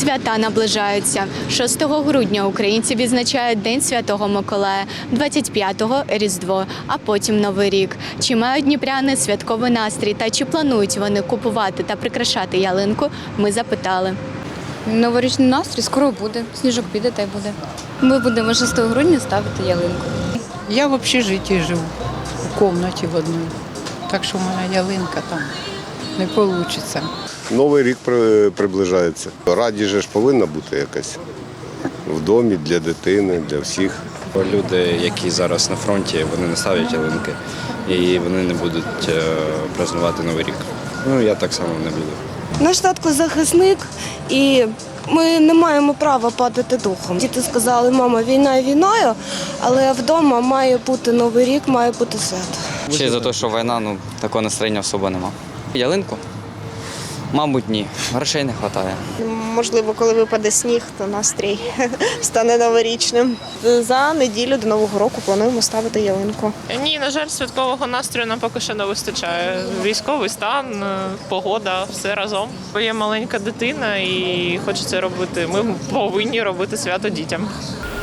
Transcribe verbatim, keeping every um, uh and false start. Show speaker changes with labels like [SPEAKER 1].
[SPEAKER 1] Свята наближаються. шостого грудня українці відзначають День Святого Миколая, двадцять п'ятого – Різдво, а потім Новий рік. Чи мають дніпряни святковий настрій та чи планують вони купувати та прикрашати ялинку, ми запитали.
[SPEAKER 2] Новорічний настрій скоро буде, сніжок піде та й буде. Ми будемо шостого грудня ставити ялинку.
[SPEAKER 3] Я в общежитті живу, у кімнаті в одній. Так що в мене ялинка там не вийде.
[SPEAKER 4] Новий рік при- приближається. Радість же ж повинна бути якась в домі для дитини, для всіх.
[SPEAKER 5] Люди, які зараз на фронті, вони не ставлять ялинки і вони не будуть е, празнувати Новий рік. Ну, я так само не буду.
[SPEAKER 6] Наш татко захисник, і ми не маємо права падати духом. Діти сказали, мама, війна війною, але вдома має бути Новий рік, має бути свято.
[SPEAKER 7] Ще й за те, що війна, ну, такого настроєння особо нема. Ялинку? Мабуть, ні. Грошей не вистачає.
[SPEAKER 8] Можливо, коли випаде сніг, то настрій стане новорічним. За неділю до Нового року плануємо ставити ялинку.
[SPEAKER 9] Ні, на жаль, святкового настрою нам поки що не вистачає. Військовий стан, погода, все разом. Є маленька дитина і хочеться робити. Ми повинні робити свято дітям.